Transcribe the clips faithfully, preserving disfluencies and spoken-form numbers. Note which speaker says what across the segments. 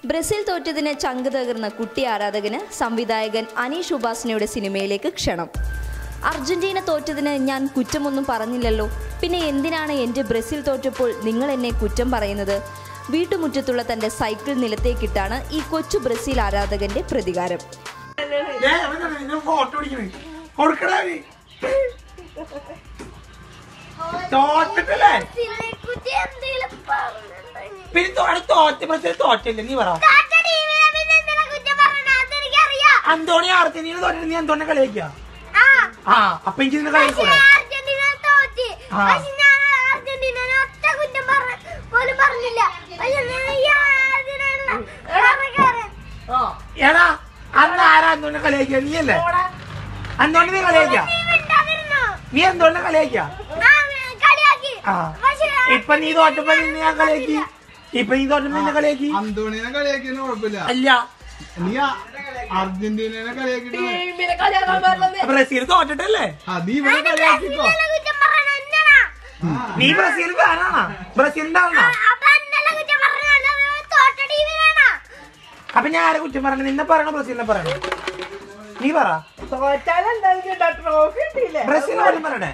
Speaker 1: Brazil തോറ്റതിന് ചങ്ക് തകർന്ന കുട്ടി ആരാധകന് സംവിധായകൻ അനീഷ് ഉപാസനയുടെ സിനിമയിലേക്ക് ക്ഷണം. അർജന്റീന തോറ്റതിന് ഞാൻ കുറ്റമൊന്നും പറഞ്ഞില്ലല്ലോ, പിന്നെ എന്തിനാണ് എൻ്റെ ബ്രസീൽ തോറ്റപ്പോൾ നിങ്ങൾ എന്നെ കുറ്റം പറയുന്നത്? വീട്ടുമുറ്റത്തുള്ള തൻ്റെ സൈക്കിൾ നിലത്തേക്കിട്ടാണ് ഈ കൊച്ചു ബ്രസീൽ ആരാധകന്റെ പ്രതികാരം.
Speaker 2: അന്തോണി അർജന്റീന തോറ്റിട്ട് നീ അന്തോണിനെ കളിയാക്കിയ ആ അപ്പൊ എനിക്ക് കളിക്കൂടെ? എടാ അന്ന് ആരാ അന്തോണിനെ കളിയാക്കിയ? നീയല്ലേ അന്തോണി? നീ കളിയാക്കിയ? നീ അന്തോണിനെ കളിയാക്കിയ? ആ ഇപ്പൊ നീ തോറ്റപ്പോ നിന്നെ ഞാൻ കളിയാക്കി. ഇപ്പൊ നീ തോറ്റപ്പോ നിന്നെ കളിയാക്കി.
Speaker 3: അന്തോണിനെ കളിയാക്കിയെന്ന് കുഴപ്പമില്ല.
Speaker 2: അല്ല
Speaker 3: നീ അർജന്റീനനെ കളിയാക്കിട്ടോ.
Speaker 2: ബ്രസീൽ തോറ്റിട്ടല്ലേ?
Speaker 3: നീ ഇവിടെ കളിയാക്കിക്കോ.
Speaker 2: നീ ബ്രസീൽ ഫാനാണോ? ബ്രസീലിന്റെ ആളാണോ? അപ്പൊ ഞാൻ ആരെ കുറ്റം പറയണേ? നിന്നെ പറയണോ ബ്രസീലിനെ പറയണോ? നീ പറ. ബ്രസീലിനെ കുറ്റം പറയണേ?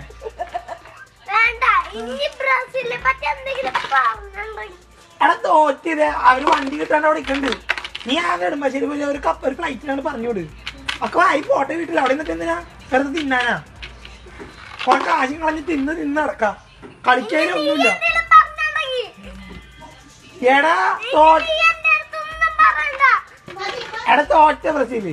Speaker 2: എടാ തോറ്റത് അവര് വണ്ടി കിട്ടാണ്ട് അവിടെ നിൽക്കണ്ട്. നീ ആ നെടുമ്പാശ്ശേരി പോലെ ഒരു കപ്പ് ഒരു ഫ്ലൈറ്റിനാണ് പറഞ്ഞോട്. ഒക്കെ ആയി പോട്ടെ വീട്ടിൽ. അവിടെ നിന്നിട്ട് എന്തിനാ വെറുതെ തിന്നാനാ? കുറെ കാശും കളഞ്ഞ് തിന്ന് തിന്ന് നടക്കാം. കളിക്കാനൊന്നുമില്ല. എടാ തോറ്റ എടാ തോറ്റ ബ്രസീല്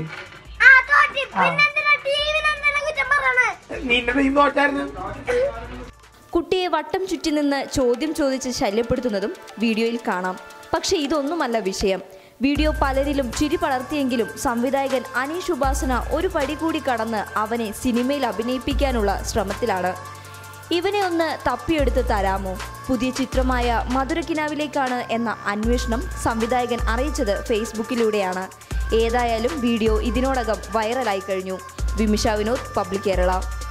Speaker 2: നിന്റെ ടീം തോറ്റായിരുന്നു.
Speaker 1: കുട്ടിയെ വട്ടം ചുറ്റി നിന്ന് ചോദ്യം ചോദിച്ച് ശല്യപ്പെടുത്തുന്നതും വീഡിയോയിൽ കാണാം. പക്ഷേ ഇതൊന്നുമല്ല വിഷയം. വീഡിയോ പലരിലും ചിരി പടർത്തിയെങ്കിലും സംവിധായകൻ അനീഷ് ഉപാസന ഒരു പടി കൂടി കടന്ന് അവനെ സിനിമയിൽ അഭിനയിപ്പിക്കാനുള്ള ശ്രമത്തിലാണ്. ഇവനെ ഒന്ന് തപ്പിയെടുത്ത് തരാമോ? പുതിയ ചിത്രമായ മധുരക്കിനാവിലേക്കാണ് എന്ന അന്വേഷണം സംവിധായകൻ അറിയിച്ചത് ഫേസ്ബുക്കിലൂടെയാണ്. ഏതായാലും വീഡിയോ ഇതിനോടകം വൈറലായി കഴിഞ്ഞു. വിമിഷ വിനോദ്, പബ്ലിക് കേരള.